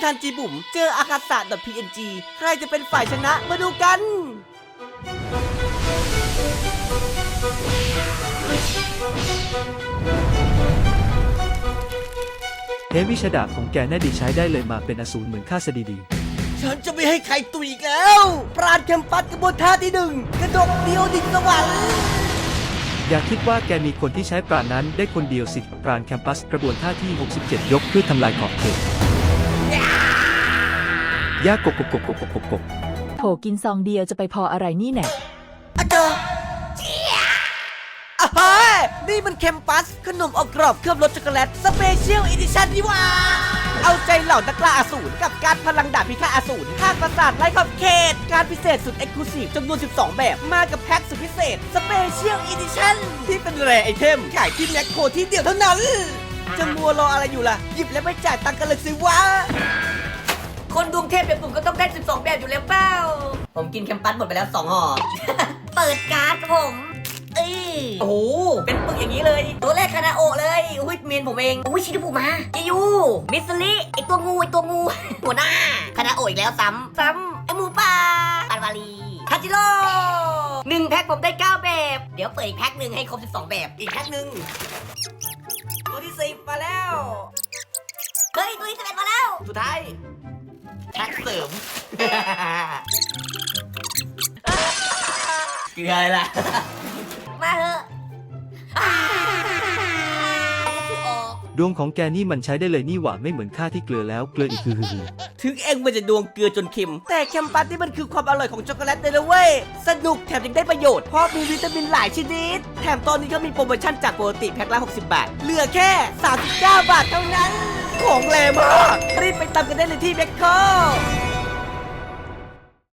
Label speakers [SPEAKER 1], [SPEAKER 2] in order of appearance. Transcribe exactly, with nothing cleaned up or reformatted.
[SPEAKER 1] ทันจีบุ๋มเจออากาศะ .png ใครจะเป็นฝ่ายชนะมาดูกัน
[SPEAKER 2] เฮวิชดาของแกน่าดีใช้ได้เลยมาเป็นอสูรเหมือนข้าซะดีๆ
[SPEAKER 1] ฉันจะไม่ให้ใครตุยอีกแล้วปราณแคมปัสกระบวนท่าที่หนึ่งกระดกเดียวดิ่งสวรรค์
[SPEAKER 2] อย่าคิดว่าแกมีคนที่ใช้ปราณนั้นได้คนเดียวสิปราณแคมปัสกระบวนท่าที่หกสิบเจ็ดยกเพื่อทำลายขอบเขตยากกบกบกบกบกบกบ
[SPEAKER 3] โถกินซองเดียวจะไปพออะไรนี่แน่
[SPEAKER 1] อะเจอเจี๊ยอ่ะเฮ้ยนี่มันแคมปัสขนมอบกรอบเคลือบรสช็อกโกแลตสเปเชียลอีดิชั่นนี่หว่าเอาใจเหล่านักล่าอสูรกับการพลังดาบพิฆาตอสูรภาคประสาทไร้ขอบเขตการพิเศษสุดเอ็กซ์คลูซีฟจำนวนสิบสองแบบมากับแพ็คสุดพิเศษสเปเชียลอีดิชั่นที่เป็นแรร์ไอเทมขายที่แม็คโครที่เดียวเท่านั้นจะมัวรออะไรอยู่ล่ะหยิบแล้วไม่จ่ายตังค์กันเลยสิวะคนดวงเทพแบบผมก็ต้องได้สิบสองแบบอยู่แล้วเปล่าผมกินแคมปัสหมดไปแล้วสองห่อ เปิดการ์ดผมเอ้ยโอ้โหเป็นปึกอย่างนี้เลยตัวแรกคานาโอะเลยอุ้ยเมนผมเองอุ้ยชินบุมาเจยูมิสลิไอตัวงูไอตัวงู หัวหน้าคานาโอะอีกแล้วซ้ำซ้ำไอหมูป่าปานวาลีคาจิโร่หนึ่งแพ็คผมได้เก้าแบบเดี๋ยวเปิดอีกแพ็คหนึ่งให้ครบสิบสองแบบอีกแพ็คหนึ่งตัวที่สิบมาแล้วเฮ้ยตัวที่สิบเอ็ดมาแล้วสุดท้ายแพ็คเสริม เกลืออะไรล่ะมาเถอะ
[SPEAKER 2] ดวงของแกนี่มันใช้ได้เลยนี่หว่าไม่เหมือนข้าที่เกลือแล้วเกลืออีกคือ
[SPEAKER 1] ถึงเองมันจะดวงเกลือจนเค็มแต่แคมปัสนี่มันคือความอร่อยของช็อกโกแลตเลยนะเว้ยสนุกแถมยังได้ประโยชน์เพราะมีวิตามินหลายชนิดแถมตอนนี้ก็มีโปรโมชั่นจากปกติแพ็คละหกสิบบาทเหลือแค่สามสิบเก้าบาทเท่านั้นของแรงมากรีบไปตามกันได้เลยที่แมคโคร